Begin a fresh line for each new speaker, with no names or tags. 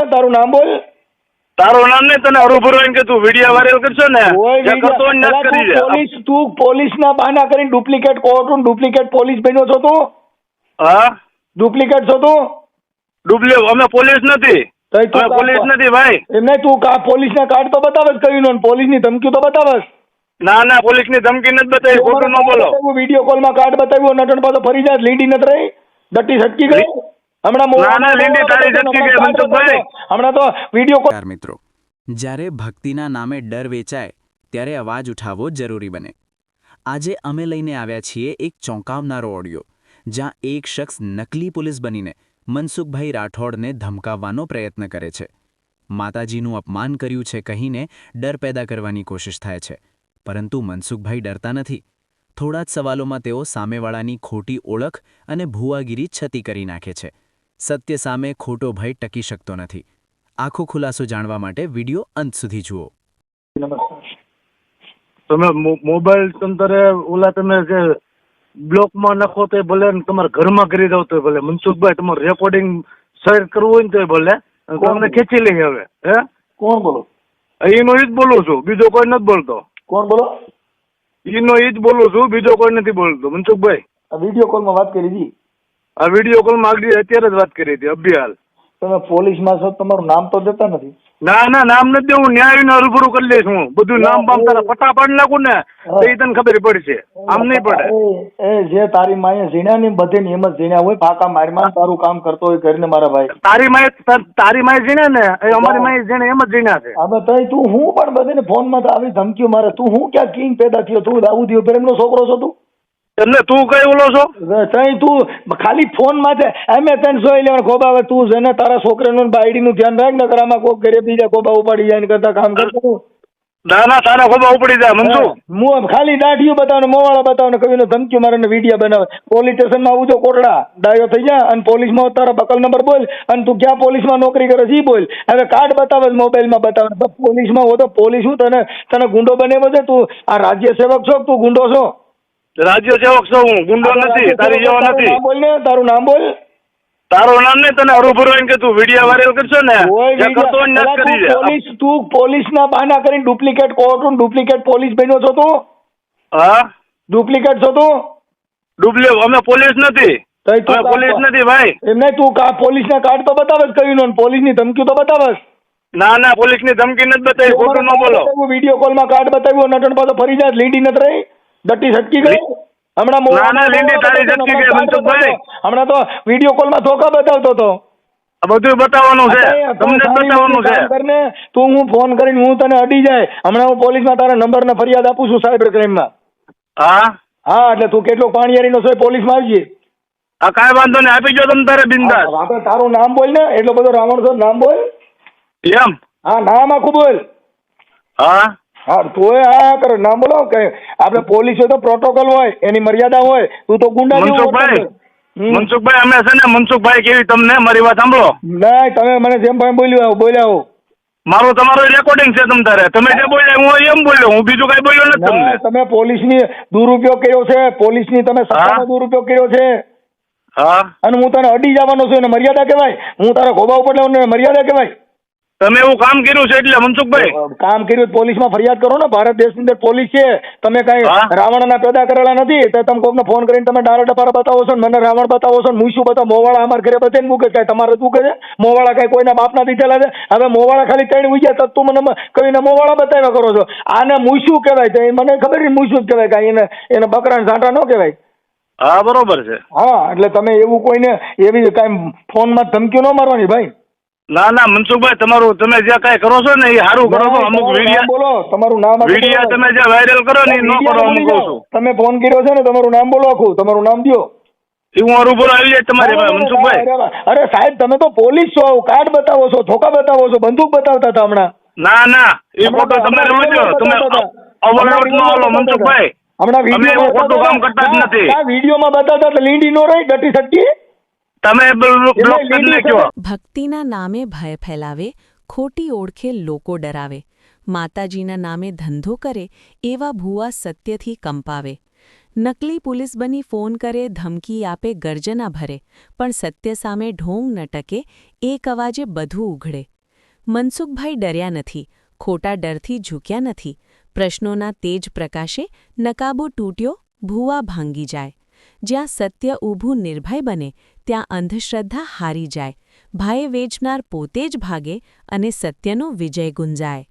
તારું નામ બોલ.
તારું નામ નહીં, તને હરુભરો એમ કે તું વિડીયો વાયરલ કરશો ને જે કરતો હોય ને
પેલા
કરી
તું
દે.
તું પોલીસના બહાના કરીને ડુપ્લિકેટ કોર્ટ ડુપ્લિકેટ પોલીસ બન્યો છો તું?
હા
ડુપ્લિકેટ છો તું?
અમે પોલીસ નથી,
તઈ તું
અમે પોલીસ નથી ભાઈ.
એમ નહીં, તું પોલીસના કાર્ડ તો બતાવે જ કયું ને પોલીસની ધમકી તો બતાવે જ.
ના ના, પોલીસ ની ધમકી નથી બતાવી, ખોટું ન બોલો.
વિડીયો કોલમાં કાર્ડ બતાવ્યું, નટણ પાછો ફરી જાય, લીડી નથી રહી, ડટ્ટી છટકી ગઈ હમણાં.
ના ના, લીંડી તારી છટકી ગઈ મનસુખભાઈ.
હમણાં તો વિડીયો કોલ.
મિત્રો, જ્યારે ભક્તિના નામે ડર વેચાય ત્યારે અવાજ ઉઠાવવો જરૂરી બને. આજે અમે લઈને આવ્યા છીએ એક ચોંકાવનારો ઓડિયો, જ્યાં એક શખ્સ નકલી પોલીસ બનીને મનસુખભાઈ રાઠોડને ધમકાવવાનો પ્રયત્ન કરે છે. માતાજીનું અપમાન કર્યું છે કહીને ડર પેદા કરવાની કોશિશ થાય છે, પરંતુ મનસુખભાઈ ડરતા નથી. થોડા જ સવાલોમાં તેઓ સામેવાળાની ખોટી ઓળખ અને ભુવાગીરી છતી કરી નાખે છે. સત્ય સામે ખોટો ભય ટકી શકતો નથી. આખો ખુલાસો જાણવા માટે વિડિયો અંત સુધી જુઓ.
તમે મોબાઈલ તંતરે ઓલા તમે જે બ્લોકમાં નાખો તો ભલે, તમારા ઘરમાં કરી દો તો ભલે. મનસુખભાઈ તમારું રેકોર્ડિંગ શેર કરવું હોય ને તો ભલે, તમને ખેંચી લઈએ. હવે હે
કોણ બોલો?
એનો ઈ જ બોલું છું, બીજો કોઈ નથી બોલતો.
કોણ બોલો?
એનો ઈ જ બોલું છું, બીજો કોઈ નથી બોલતો. મનસુખભાઈ
આ વિડીયો કોલમાં વાત કરી હતી.
આ વિડીયો કોલમાં આગળ અત્યારે જ વાત કરી હતી, અભિહાલ.
તમે પોલીસમાં છો, તમારું નામ તો દેતા નથી.
ના ના, નામ નથી દેવું, ન્યાયને હરુભરું કરી લઈશ હું. બધું નામ બામ તારા પટા પાડી નાખું ને તો એ તને ખબર પડશે, આમ નહીં પડે.
એ જે તારી માએ ઝીણ્યા ને બધે નિયમ જ ઝીણ્યા હોય, પાકા મારમાં તારું કામ કરતો હોય કરીને મારા ભાઈ.
તારી માએ જીણે ને એ અમારી માએ જીણે એમ જ જીણ્યા છે.
હવે તઈ તું હું પણ બધાને ફોનમાં તો આવી ધમકીઓ મારે. તું હું ક્યાં કિંગ પેદા થયો? તું દાઉદીઓ પ્રેમનો છોકરો છો તું?
એટલે તું કઈ ઓલો છો?
તઈ તું ખાલી ફોન માં એમે તને જોઈ લેવાનું ખોબા. હવે તું છે ને તારા છોકરાનું બાયડીનું ધ્યાન રાખ ને, આમાં કોઈ ઘરે બીજા ખોબા ઉપાડી જાય ને કરતા કામ કરતો.
ના ના, તારા ખોબા ઉપડી જાય મનસુ.
હું ખાલી દાઢીઓ બતાવો ને મોવાળા બતાવો ને કવિનો ધમકીઓ મારે ને વિડીયો બનાવે. પોલીસ સ્ટેશનમાં આવું જો કોટડા ડાયો થઈ જાય અને પોલીસમાં તારા બકલ નંબર બોલ અને તું ક્યાં પોલીસમાં નોકરી કરે છે ઈ બોલ. હવે કાર્ડ બતાવે મોબાઈલમાં બતાવે, પોલીસમાં હો તો પોલીસ હું તને ગુંડો બનાવ્યો છે? તું આ રાજ્ય સેવક છો, તું ગુંડો છો?
રાજ્ય સેવક છો હું, ગુંડો નથી, તારી જેવો નથી.
બોલ ને, તારું નામ બોલ.
તારું નામ નહીં, તને હરુભરો એમ કે તું વિડીયો વાયરલ કરશો ને જે કરતો હોય ને કરી દે.
તું પોલીસના બહાના કરીને ડુપ્લિકેટ કોર્ટ ડુપ્લિકેટ પોલીસ બન્યો છો તું?
હા,
ડુપ્લિકેટ છો તું?
અમે પોલીસ નથી, અમે પોલીસ નથી ભાઈ.
એમ નહીં, તું પોલીસના કાર્ડ તો બતાવે જ કયું ને પોલીસની ધમકી તો બતાવે.
ના ના, પોલીસ ની ધમકી નથી બતાવી, ખોટું ન બોલો.
વિડીયો કોલમાં કાર્ડ બતાવ્યું, નટણ પાછો ફરી જાય, લીડી નથી રહી, ડટ્ટી છટકી ગઈ હમણાં.
ના ના, લીંડી તારી છટકી ગઈ મનસુખભાઈ.
હમણાં તો વિડીયો કોલમાં ધોકા બતાવતો હતો.
બધું બતાવવાનું છે, તમને જ બતાવવાનું છે.
તું હું ફોન કરીને હું તને અડી જાય, હમણાં હું પોલીસમાં તારા નંબર ને ફરિયાદ આપું છું સાયબર ક્રાઇમમાં.
હા
હા, એટલે તું કેટલો પાણીયારીનો છે, પોલીસમાં આવજે.
હા, કાંઈ વાંધો નહીં, આપી ગયો તમે તારે બિંદાસ.
આપણે તારું નામ બોલ ને, એટલો બધો રાવણ છો, નામ બોલ.
એમ?
હા, નામ આખું બોલ.
હા
હા, તોય હા કરે નામ બોલો. કે આપણે પોલીસ હોય તો પ્રોટોકોલ હોય, એની મર્યાદા હોય. તું તો ગુંડા
મનસુખભાઈ, મનસુખભાઈ અમે છે ને મનસુખભાઈ કેવી તમને મારી વાત સાંભળો.
નહીં, તમે મને જેમ ભાઈ બોલ્યા.
મારું તમારું રેકોર્ડિંગ છે તમ તારે. તમે જે બોલ્યા હું એમ બોલ્યો, હું બીજું કઈ બોલ્યો નથી તમને.
તમે પોલીસની દુરુપયોગ કર્યો છે, પોલીસની તમે સત્તાનો દુરુપયોગ કર્યો છે.
હા,
અને હું તને અડી જવાનો છું, એને મર્યાદા કહેવાય? હું તારા ખોબા ઉપર લેવાનો મર્યાદા કહેવાય?
તમે એવું કામ કર્યું છે એટલે મનસુખભાઈ.
કામ કર્યું પોલીસમાં ફરિયાદ કરો ને. ભારત દેશની અંદર પોલીસ છે, તમે કઈ રાવણના પેદા કરેલા નથી. તો તમે કોકને ફોન કરીને તમે ડારા ડપારા બતાવો છો, મને રાવણ બતાવો છો, હું શું બતાવો? મોવાળા અમારા ઘરે બધે મૂકે છે, તમારે શું કહે છે? મોવાળા કઈ કોઈના બાપના દીધેલા છે? હવે મોવાળા ખાલી ત્રણ ઉઈ ગયા, તું મને કહીને મોવાળા બતાવ્યા કરો છો. આને મૂછું કહેવાય છે, મને ખબર નહીં મૂછું જ કહેવાય, કાંઈ એને બકરા ઝાંટા ન કહેવાય.
હા, બરોબર છે.
હા, એટલે તમે એવું કોઈને એવી કાંઈ ફોનમાં ધમકીઓ ન મારવાની ભાઈ.
ના ના મનસુખભાઈ, તમારું તમે જે કઈ કરો છો ને એ સારું કરો છો. અમુક વિડીયો
બોલો, તમારું નામ
વિડીયો તમે જે વાયરલ કરો ને એ ન કરો. અમુક કહું છું,
તમે ફોન કર્યો છે ને, તમારું નામ બોલો આખું, તમારું નામ દો.
હું હરુભરો આવી જાય તમારે મનસુખભાઈ.
અરે સાહેબ, તમે તો પોલીસ છો, કાર્ડ બતાવો છો, ધોકા બતાવો છો, બંદૂક બતાવતા હતા હમણાં.
ના ના, એ ફોટો તમે રોજો, તમે ઓવરલોડ ન હાલો મનસુખભાઈ.
હમણાં
વિડીયો ખોટું કામ કરતા જ નથી.
વિડીયોમાં બતાવતા એટલે લીંડી નો રહી, ડટી સટકી.
તમે બ્લોક કરી નાખ્યો.
ભક્તિના નામે ભય ફેલાવે, ખોટી ઓળખે લોકો ડરાવે, માતાજીના નામે ધંધો કરે એવા ભૂવા સત્યથી કંપાવે. નકલી પોલીસ બની ફોન કરે, ધમકી આપે, ગર્જના ભરે, પણ સત્ય સામે ઢોંગ ન ટકે, એક અવાજે બધું ઉઘડે. મનસુખભાઈ ડર્યા નથી, ખોટા ડરથી ઝૂક્યા નથી. પ્રશ્નોના તેજ પ્રકાશે નકાબો તૂટ્યો, ભૂવા ભાંગી જાય. જ્યાં સત્ય ઊભું નિર્ભય બને ત્યાં અંધશ્રદ્ધા હારી જાય, ભાયે વેચનાર પોતે જ ભાગે અને સત્યનો વિજય ગુંજાય.